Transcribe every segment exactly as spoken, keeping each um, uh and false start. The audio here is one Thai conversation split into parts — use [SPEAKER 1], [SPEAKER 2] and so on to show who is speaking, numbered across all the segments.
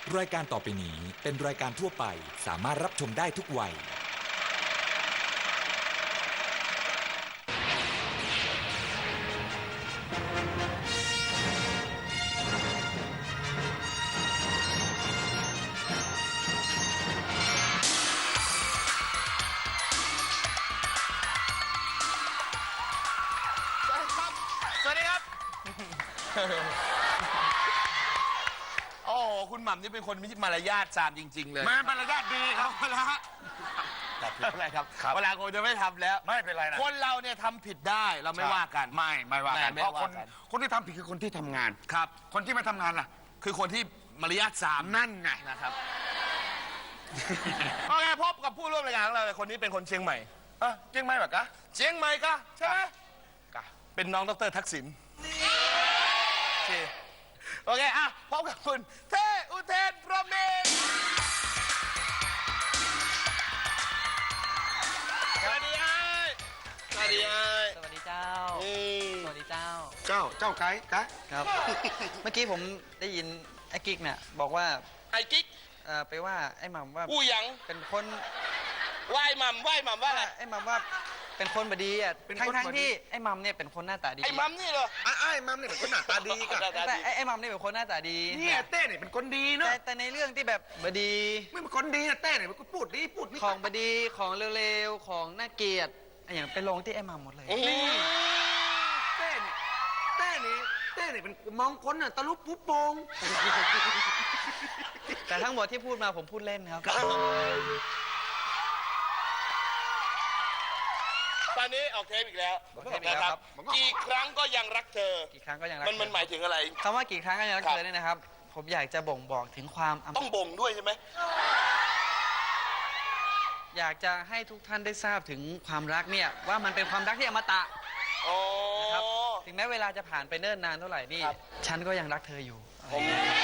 [SPEAKER 1] รายการต่อไปนี้เป็นรายการทั่วไปสามารถรับชมได้ทุกวัย
[SPEAKER 2] สวัสดีครับ โอ้คุณหม่ำนี่เป็นคนมีมารยาทจามจริงๆเลย
[SPEAKER 3] มามารยาทดีครับเวลา
[SPEAKER 2] แต่ผิดอะไรครับเวลาคนจะไม่ทำแล้ว
[SPEAKER 3] ไม่เป็นไรนะ
[SPEAKER 2] คนเราเนี่ยทำผิดได้เราไม่ว่ากัน
[SPEAKER 3] ไม่ไม่ว่ากัน
[SPEAKER 2] ไม่
[SPEAKER 3] เพราะ
[SPEAKER 2] ว่า
[SPEAKER 3] คน
[SPEAKER 2] กัน
[SPEAKER 3] คนที่ทำผิดคือคนที่ทำงาน
[SPEAKER 2] ครับ
[SPEAKER 3] คนที่ไม่ทำงานล่ะ
[SPEAKER 2] คือคนที่มารยาทจาม
[SPEAKER 3] นั่นไง
[SPEAKER 2] นะครับโอเคพบกับผู้ร่วมรายการของเราเลยคนนี้เป็นคนเชียงใหม่
[SPEAKER 3] เออจริงไหมแบบกะ
[SPEAKER 2] เชียงใหม่ก็ใช่ไหม
[SPEAKER 3] กะ
[SPEAKER 2] เป็นน้องดรทักษิณโอเคโอเคอ่ะพบกับคุณเทอุเทนพรหมินทร์สวัสดีไอ้สวัสดีไอ้
[SPEAKER 4] สวัสดีเจ้า
[SPEAKER 2] อืม
[SPEAKER 4] สวัสดีเจ้า
[SPEAKER 3] เจ้าเจ้าไก่กะ
[SPEAKER 4] ครับ เมื่อกี้ผมได้ยินไอ้กิ๊กเนี่ยบอกว่า
[SPEAKER 2] ไอ้กิ๊ก
[SPEAKER 4] เอ่อไปว่าไอ้หม่ำว่า
[SPEAKER 2] อู้หยัง
[SPEAKER 4] เป็นคน
[SPEAKER 2] ไหว้หม่ำไหว้หม่ำว่าอะไร
[SPEAKER 4] ไอ้หม่ำว่าเป็นคนบดีอ่ะทั้งทั้งๆที่ไอ้หม่ำเนี่ยเป็นคนหน้าตาดี
[SPEAKER 2] ไอ้หม่ำนี่เหรอ
[SPEAKER 3] ไอ้ไอ้มัมเนี่ยเป็นคนหน้าตาดีกะ
[SPEAKER 4] แต่ไอ้ไอ้หม่ำเนี่ยเป็นคนหน้าตาดี
[SPEAKER 3] เนี่ยเต้เนี่ยเป็นคนดีเนอะ
[SPEAKER 4] แต่แต่ในเรื่องที่แบบบดี
[SPEAKER 3] ไม่เป็นคนดีนะเต้เนี่ยเป็นคนพูดดีพูดนี่
[SPEAKER 4] ของบดีของเร็วๆของน่าเกลียดไอ้อย่างไปลงที่ไอ้หม่ำหมดเลย
[SPEAKER 2] นี่
[SPEAKER 3] เต้เนี่ยเต้เนี่ยเต้เนี่ยเป็นมองคนน่ะตะลุปุ๊บโปง
[SPEAKER 4] แต่ทั้งหมดที่พูดมาผมพูดเล่นครับ
[SPEAKER 2] ตอนนี้ออกเทปอีกแล้ว
[SPEAKER 4] ออกเทปอีกแล้วครับ
[SPEAKER 2] กี่ครั้งก็ยังรักเธอ
[SPEAKER 4] กี่ครั้งก็ยังรัก
[SPEAKER 2] มันมันหมายถึงอะไร
[SPEAKER 4] คำว่ากี่ครั้งก็ยังรัก
[SPEAKER 2] ครับ
[SPEAKER 4] เธอเนี่ยนะครับ ผมอยากจะบ่งบอกถึงความอำ
[SPEAKER 2] ต้องบ่งด้วยใช่ไหม
[SPEAKER 4] อยากจะให้ทุกท่านได้ทราบถึงความรักเนี่ยว่ามันเป็นความรักที่อมตะ
[SPEAKER 2] โอ้
[SPEAKER 4] นะครับถึงแม้เวลาจะผ่านไปเนิ่นนานเท่าไหร่นี่
[SPEAKER 2] ครับ
[SPEAKER 4] ฉันก็ยังรักเธออยู่
[SPEAKER 2] ผม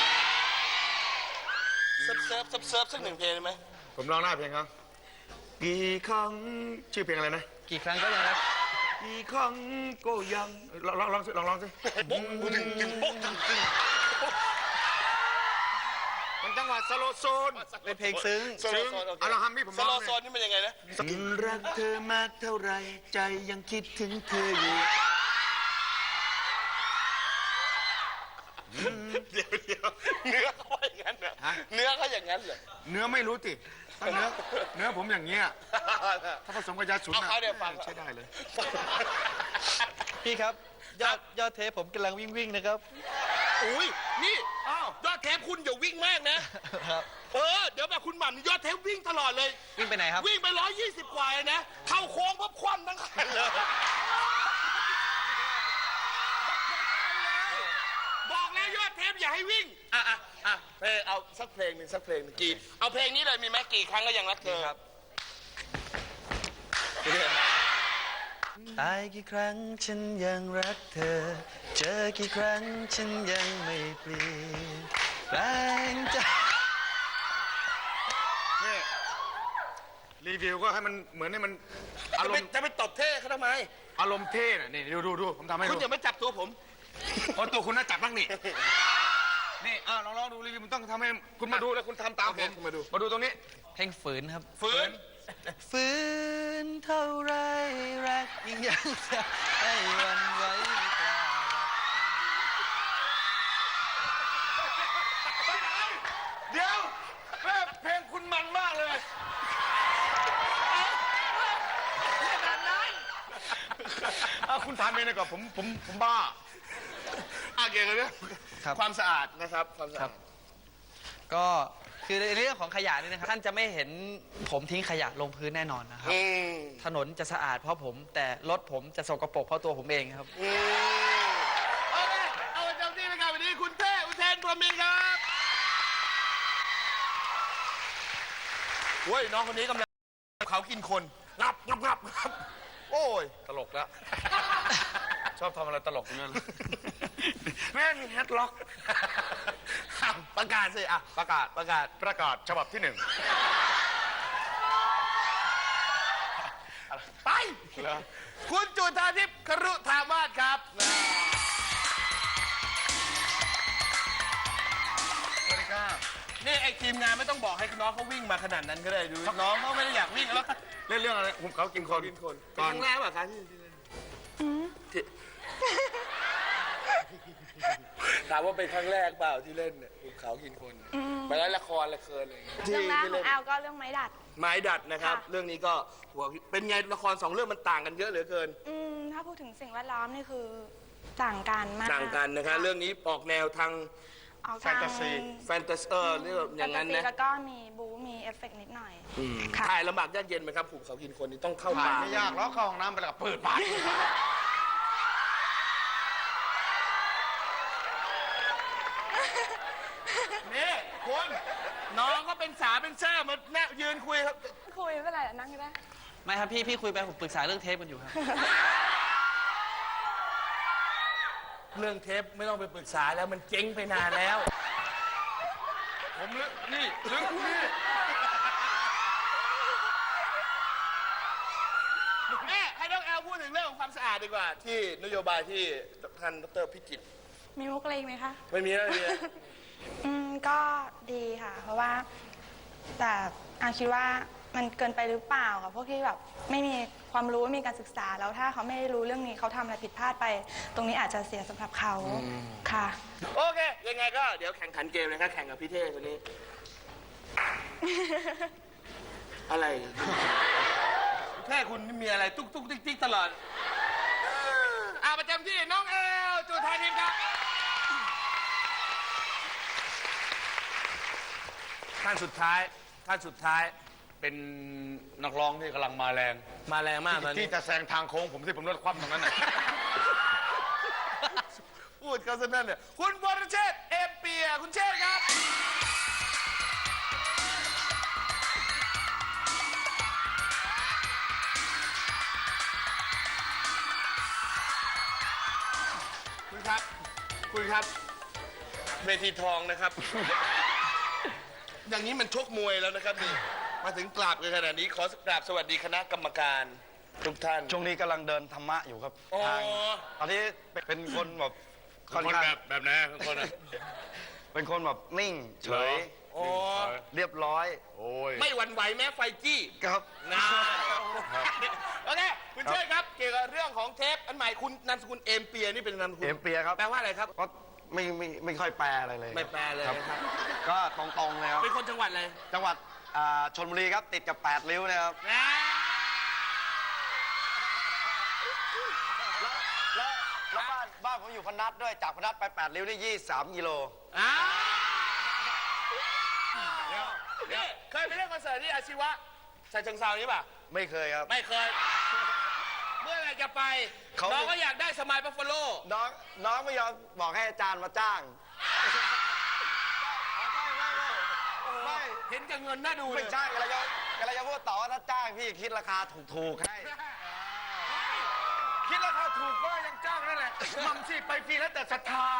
[SPEAKER 2] เซิร์ฟเซิร์ฟเซิร์ฟเซิร์ฟสักหนึ่งเพลงได้ไหม
[SPEAKER 3] ผมร้องหน้าเพลงครับกี่ครั้งชื่อเพลงอะไรนะ
[SPEAKER 4] กี่ครั้งก็ยังรัก
[SPEAKER 3] กี่ครั้งก็ยังลองลองลองสิลองลองสิ
[SPEAKER 2] ปุ๊บตึงตึงปุ๊บตึงตึง
[SPEAKER 3] มันจังหวะสโลโซน
[SPEAKER 4] เป็นเพลงซึ้ง
[SPEAKER 2] โซโลโซนโอเค
[SPEAKER 3] เอาเราทำให้ผม
[SPEAKER 2] ส
[SPEAKER 3] ร้อง
[SPEAKER 2] โล
[SPEAKER 3] เลย
[SPEAKER 2] โซนนี่มันยังไงนะ
[SPEAKER 3] รักเธอมากเท่าไรใจยังคิดถึงเธออยู่
[SPEAKER 2] เดี๋ยวเดี๋ยวเนื้อเขาว่าอย่างนั้นเหรอเนื้อเขาอย่างนั้นเหรอ
[SPEAKER 3] เนื้อไม่รู้ติถ้าเนื้อเนื้อผมอย่างเงี้ยถ้าผสมกับยาสูบ
[SPEAKER 2] เอาเขาเดี๋ยวฟัง
[SPEAKER 3] ใช้ได้เลย
[SPEAKER 4] พี่ครับยอดยอดเทปผมกำลังวิ่งวิ่งนะครับ
[SPEAKER 2] อุ้ยนี่
[SPEAKER 3] อ้าว
[SPEAKER 2] ยอดเทปคุณอย่าวิ่งมากนะครับ เออเดี๋ยวแบบคุณหม่ำนี่ยอดเทปวิ่งตลอดเลย
[SPEAKER 4] วิ่งไปไหนครับ
[SPEAKER 2] วิ่งไปร้อยยี่สิบกว่าเลยนะเข้าโค้งพับคว่ำทั้งคันเลยบอกแล้วยอดเทปอย่าให้วิ่งอ่ะอ่ะอ่ะเพลงเอาสักเพลงหนึ่งสักเพลงหนึ่งกี่เอาเพลงนี้เลยมีไหมกี่ครั้งก็ยังรักเธอ
[SPEAKER 4] ครับ ตายกี่ครั้งฉันยังรักเธอ เจอกี่ครั้งฉันยังไม่เปลี่ยนแปลงใจ
[SPEAKER 3] นี่รีวิวก็ให้มันเหมือนให้มันอา
[SPEAKER 2] จะ
[SPEAKER 3] ร
[SPEAKER 2] ไป
[SPEAKER 3] มณ์
[SPEAKER 2] จะไปตบเท่เขาทำไม
[SPEAKER 3] อารมณ์เท่น่ะนี่ดูดูดูผมทำให้
[SPEAKER 2] คุณ
[SPEAKER 3] ดู
[SPEAKER 2] อย่ามาจับตัวผม
[SPEAKER 3] เพราะตัวคุณน่าจับบ้างนี่นี่เออลองลองดูรีวิวมันต้องทำให้คุณมาดูแล้วคุณทำตาม
[SPEAKER 2] โอ
[SPEAKER 3] ผ
[SPEAKER 2] เค
[SPEAKER 3] ม
[SPEAKER 2] คุณมาดู
[SPEAKER 3] มาดูตรงนี้
[SPEAKER 4] เพลงฝืนครับ
[SPEAKER 2] ฝืน
[SPEAKER 4] ฝืนเท่าไรรักยิ่งยังจะให้หวันไหวไม่กล้า
[SPEAKER 3] เดี๋ยวแม่เพลงคุณมันมากเลยอ่ะคุณทำเองเลยก่อนผมผมผมบ้า
[SPEAKER 2] อ่ะเกี่ยวกับเรื่อง
[SPEAKER 4] ครับ
[SPEAKER 2] ความสะอาดนะครับความสะ
[SPEAKER 4] ครั
[SPEAKER 2] อา
[SPEAKER 4] บ
[SPEAKER 2] ด
[SPEAKER 4] ก็คือในเรื่องของขยะนี่นะครับท่านจะไม่เห็นผมทิ้งขยะลงพื้นแน่นอนนะครับ
[SPEAKER 2] อืม
[SPEAKER 4] ถนนจะสะอาดเพราะผม แต่รถผมจะสกปรกเพราะตัวผมเองครับ
[SPEAKER 2] อืมโอเคเอาประจำที่ไปกันวันนี้คุณเท่อุเทนพรหมินทร์ครับเฮ้ยน้องคนนี้กำลังเขากินคนงับงับงับงับโอ้ย
[SPEAKER 3] ตลกแล้ว ชอบทำอะไรตลกอย่างนั้นแม่งแฮตล็อก
[SPEAKER 2] ประกาศสิอ่ะ
[SPEAKER 3] ประกาศ
[SPEAKER 2] ประกาศ
[SPEAKER 3] ประกาศฉบับที่หนึ่ง
[SPEAKER 2] ไป คุณจุธาทิพย์ครุธามาศครับ
[SPEAKER 3] สวัสดีครับ
[SPEAKER 2] นี่ไอ้ทีมงานไม่ต้องบอกให้น้องเขาวิ่งมาขนาดนั้นก็ได้ดูน้องเขาไม่ได้อยากวิ่งแล้ว
[SPEAKER 3] เล่นเรื่องอะไรผมเขากินคน
[SPEAKER 2] กินคน
[SPEAKER 3] ก่อน
[SPEAKER 2] ครั้งแรกป่ะคะที่ที่เล่นที่ถามว่าเป็นครั้งแรกเปล่าที่เล่นเนี่ยภูเขากินคนไปแล้วละครละครอะไรอย่างเงี้ย
[SPEAKER 5] เรื่องแรก
[SPEAKER 2] ที่
[SPEAKER 5] ขอ
[SPEAKER 2] เล่
[SPEAKER 5] ง
[SPEAKER 2] น
[SPEAKER 5] แอลก็เรื่องไม้ดัด
[SPEAKER 2] ไม้ดัดนะครับ
[SPEAKER 5] ค่ะ
[SPEAKER 2] เรื่องนี้ก็หัวเป็นไงละครสองเรื่องมันต่างกันเยอะเหลือเกิน
[SPEAKER 5] อืมถ้าพูดถึงสิ่งแวดล้อมนี่คือต่างกันมาก
[SPEAKER 2] ต่างกันนะคะเรื่องนี้ออกแนวทาง
[SPEAKER 5] ออก
[SPEAKER 3] แฟนตาซี
[SPEAKER 2] แฟนตาซีเออเรื่องอย่างนั้น
[SPEAKER 5] แฟตซี
[SPEAKER 2] นะ
[SPEAKER 5] แล้วก็มีบู๊มีเอฟเฟกต์นิดหน่อยค่ะ
[SPEAKER 2] ถ่ายลำบากยากเย็นไหมครับภูเขากินคนนี่ต้องเข้า
[SPEAKER 3] ถ่าย
[SPEAKER 2] ป่า
[SPEAKER 3] ไม่ยากหรอกเข้าห้องน้ำไปแล้วก็เปิดปาก
[SPEAKER 2] นี่คุณน้องก็เป็นสาเป็นแซ่มาแน่ยืนคุยครับ
[SPEAKER 5] คุยไม่เป็นไรนั่งก็ได้
[SPEAKER 4] ไม่ครับพี่พี่คุยไปผมปรึกษาเรื่องเทปกันอยู่ครับ
[SPEAKER 2] เรื่องเทปไม่ต้องไปปรึกษาแล้วมันเจ๊งไปนานแล้ว
[SPEAKER 3] ผมลึกนี่ลึกนี่
[SPEAKER 2] แม่ให้น้องแอลพูดถึงเรื่องของความสะอาดดีกว่า ที่นโยบายที่ท่านดรพิจิตร
[SPEAKER 5] มีมุกอะไรอีกไหมคะ
[SPEAKER 2] ไม่มีแล้วไม่มีแล้ว
[SPEAKER 5] อืมก็ดีค่ะ เพราะว่าแต่อาคิดว่ามันเกินไปหรือเปล่ากับพวกที่แบบไม่มีความรู้ไม่มีการศึกษาแล้วถ้าเขาไม่รู้เรื่องนี้เขาทำอะไรผิดพลาดไป ตรงนี้อาจจะเสียสำหรับเขาค่ะ
[SPEAKER 2] โอเค ยังไงก็เดี๋ยวแข่งขันเกมเลยครับแข่งกับพี่เท่คนนี้ อะไรพี่เท่คุณนี่มีอะไรตุ๊กตุ๊กติ๊กติ๊กตลอดอ่าประจำที่น้องแอลจูไทยทีมครับท่านสุดท้ายท่านสุดท้าย
[SPEAKER 3] เป็นนักร้องที่กำลังมาแรง
[SPEAKER 2] มาแรงมากตอนนี้
[SPEAKER 3] ที่จะแซงทางโค้งผมที่ผมรถคว่ำตรงนั้นน่ะ
[SPEAKER 2] พูดเขาซะนั่นเนี่ยคุณวรเชษฐ์เอมเปียคุณเชษฐ์ครับ คุณครับ คุณครับ เวทีทองนะครับ อย่างนี้มันชกมวยแล้วนะครับนี่ มาถึงกราบกันขนาดนี้ ขอกราบสวัสดีคณะกรรมการทุกท่าน
[SPEAKER 6] ช่วงนี้กำลังเดินธรรมะอยู่ครับ
[SPEAKER 2] โอ้
[SPEAKER 6] ทางตอนนี้เป็นคนแบบค่อน
[SPEAKER 3] คน
[SPEAKER 6] ข้าง
[SPEAKER 3] แบบแบบไหนคนอะ
[SPEAKER 6] เป็นคนแบบนิ่งเฉย
[SPEAKER 2] โอ้
[SPEAKER 6] เรียบร้อย
[SPEAKER 3] โอ้ย
[SPEAKER 2] ไม่หวั่นไหวแม้ไฟจี้
[SPEAKER 6] ครับ
[SPEAKER 2] นะโอเค คุณเชิญครับ เกี่ยวกับเรื่องของเทปอันใหม่คุณนามสกุลเอมเปียนี่เป็นนามสกุล
[SPEAKER 6] เอ็มเปียครับ
[SPEAKER 2] แปลว่าอะไรครับ
[SPEAKER 6] ก็ไม่ไม่ไม่ค่อยแปลอะไรเลย
[SPEAKER 2] ไม่แปลเลย
[SPEAKER 6] ครับ
[SPEAKER 2] นะครับ
[SPEAKER 6] ก็ตรงๆเลยครับ
[SPEAKER 2] เป็นคนจังหวัดอะไร
[SPEAKER 6] จังหวัดอ่าชลบุรีครับติดกับแปดริ้วนะครับ
[SPEAKER 2] นะ
[SPEAKER 6] แล้วแล้วบ้านบ้านผมอยู่พนัสด้วยจากพนัสไปแปดริ้วนี่ยี่สิบสามกิโล
[SPEAKER 2] อ้าวนี่เคยไปเล่นคอนเสิร์ตที่อาชีวะชาเชิงเซานี่ป่ะ
[SPEAKER 6] ไม่เคยครับ
[SPEAKER 2] ไม่เคย เมื่อไหรจะไป
[SPEAKER 6] เขา
[SPEAKER 2] น้องก็อยากได้สมายบัฟฟาโล
[SPEAKER 6] น้องน้องไม่ยอมบอกให้อาจารย์มาจ้าง ไม่
[SPEAKER 2] เห็นกับเงินน่าดูเล
[SPEAKER 6] ไม่
[SPEAKER 2] ย
[SPEAKER 6] ใช่กำลังจะกำลังจะพูดต่อว่าถ้าจ้างพี่คิดราคาถูกๆให้
[SPEAKER 3] คิดราคาถูกก็ยังจ้างนั่นแหละมัมสิไปฟรีแล้วแต่ศรัทธา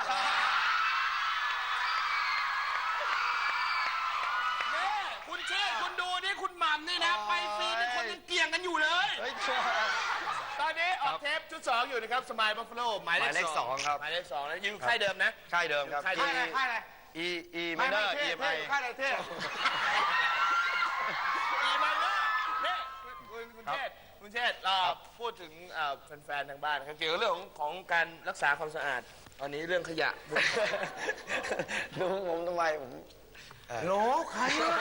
[SPEAKER 2] นี่คุณเชษฐ์คุณดูนี่คุณหม่ำนี่นะ ไปฟรีนี่คนยังเกี่ยงกันอยู่เลย
[SPEAKER 6] เฮ้ยชัวร์
[SPEAKER 2] ตอนนี้ออกเทปชุดสองอยู่นะครับสมายบัฟฟาโลหมาย
[SPEAKER 6] หมาย
[SPEAKER 2] เล
[SPEAKER 6] เล
[SPEAKER 2] ข
[SPEAKER 6] ข
[SPEAKER 2] ส
[SPEAKER 6] ส
[SPEAKER 2] อ
[SPEAKER 6] อง งครับ
[SPEAKER 2] หมายเลขสองนะอยู่ค่ายเดิมนะ
[SPEAKER 6] ค่ายเดิมครับ
[SPEAKER 2] ค่ายเดิ
[SPEAKER 3] ค่าย
[SPEAKER 2] ม
[SPEAKER 3] อะไรค่ายอะไร
[SPEAKER 6] E E
[SPEAKER 3] ไม่
[SPEAKER 6] minor
[SPEAKER 3] ไม่
[SPEAKER 6] E
[SPEAKER 3] เท่
[SPEAKER 6] M
[SPEAKER 3] เท่
[SPEAKER 6] I
[SPEAKER 3] ค่ายอะไรเท่
[SPEAKER 2] อีมันเนอร์นี่คุณคุณเชษฐ์คุณเชษฐ์เราพูดถึงเอ่อแฟนๆทางบ้านครับเกี่ยวกับเรื่องของของการรักษาความสะอาดตอนนี้เรื่องขยะ
[SPEAKER 6] ดูผมทำไมผม
[SPEAKER 2] โหลใครอะ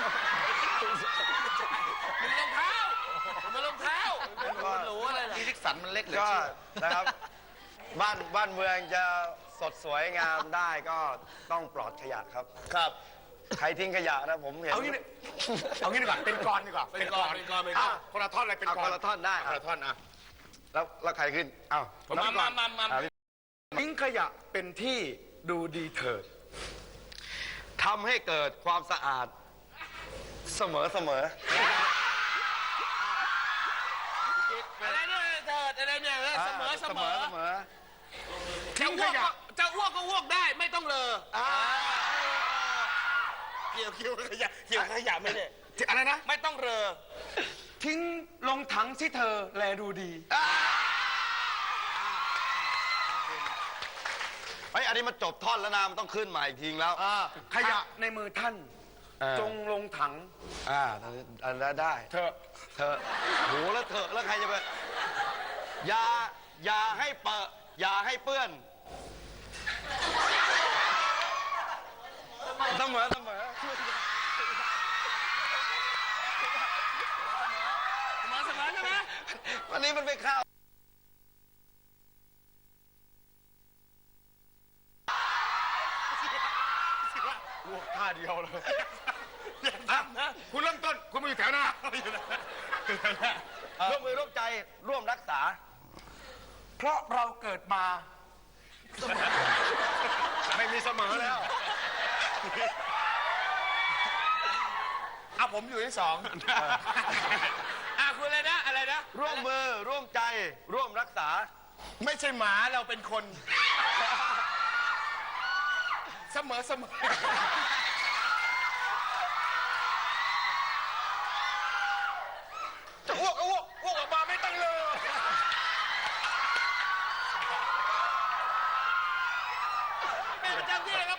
[SPEAKER 2] มันรองเท้ามันรองเท้ามันหรูอะไรล่ะ
[SPEAKER 3] ที่ทิกสันมันเล็กเหลย
[SPEAKER 6] ก็นะครับ บ้านบ้านเมืองจะสดสวยงามได้ก็ต้องปลอดขยะครับ
[SPEAKER 2] ครับ
[SPEAKER 6] ใครทิ้งขยะนะผมเห็น
[SPEAKER 3] เอางี้ดิเอางี้ดีกว่าเป็นกรดีกว่า
[SPEAKER 2] เป็นกรเป็นกรเป็นกร
[SPEAKER 3] อ้าวคนละท่อนอะไรเป็น
[SPEAKER 6] เอา
[SPEAKER 3] กร
[SPEAKER 6] คนละท่อนได้
[SPEAKER 3] คนละท่อนอ่ะ
[SPEAKER 6] แล้วแล้วใครขึ้นอ้าว
[SPEAKER 3] ผม
[SPEAKER 2] มามามามา
[SPEAKER 6] อ่ะพี่
[SPEAKER 3] ทิ้งขยะเป็นที่ดูดีเถิด
[SPEAKER 6] ทำให้เกิดความสะอาดเสมอเสมอ
[SPEAKER 2] อะไรเนี่ยเถิดอะไรเนี่ยเออเสมอเสมอ
[SPEAKER 6] เสมอ
[SPEAKER 2] จะอ้วกก็จะอ้วกก็อ้วกได้ไม่ต้องเลอเกี่ยวเกี่ยวกับขยะเกี่ยวกับขยะไม่ได้
[SPEAKER 3] อะไรนะ
[SPEAKER 2] ไม่ต้องเรอ
[SPEAKER 3] ทิ้งลงถังสิเธอแลดูดี
[SPEAKER 2] ค
[SPEAKER 6] ไอ้ยอันนี้มันจบท่อนแล้วนะมันต้องขึ้นมาอีกทีแล้ว
[SPEAKER 3] ขยะในมือท่าน จงลงถัง
[SPEAKER 6] อ่าอันนั้นได้
[SPEAKER 3] เถอะ
[SPEAKER 6] เถอะโหแล้วเถอะแล้วใครจะไปอย่าอย่าให้เปอะอย่าให้เปื้อนเสมอเสมอ
[SPEAKER 2] มาสมานใช่ไหม
[SPEAKER 6] วันนี้มันไปเข้า
[SPEAKER 3] ท่าเดียวเลยอ่ะคุณเริ่มต้น คุณมาอยู่แถวหน้า
[SPEAKER 6] ร่วมมือร่วมใจร่วมรักษา
[SPEAKER 3] เพราะเราเกิดมา ไม่มีเสมอแล้ว
[SPEAKER 2] อ่ะผมอยู่ที่สองอ่ะคุณอะไรนะอะไรนะ
[SPEAKER 6] ร่วมมือร่วมใจร่วมรักษา
[SPEAKER 2] ไม่ใช่หมาเราเป็นคน เสมอเสมอจะอ้วกก็อ้วกอ้วกออกมาไม่ต้องเลยแม่ประจำที่เลยครับ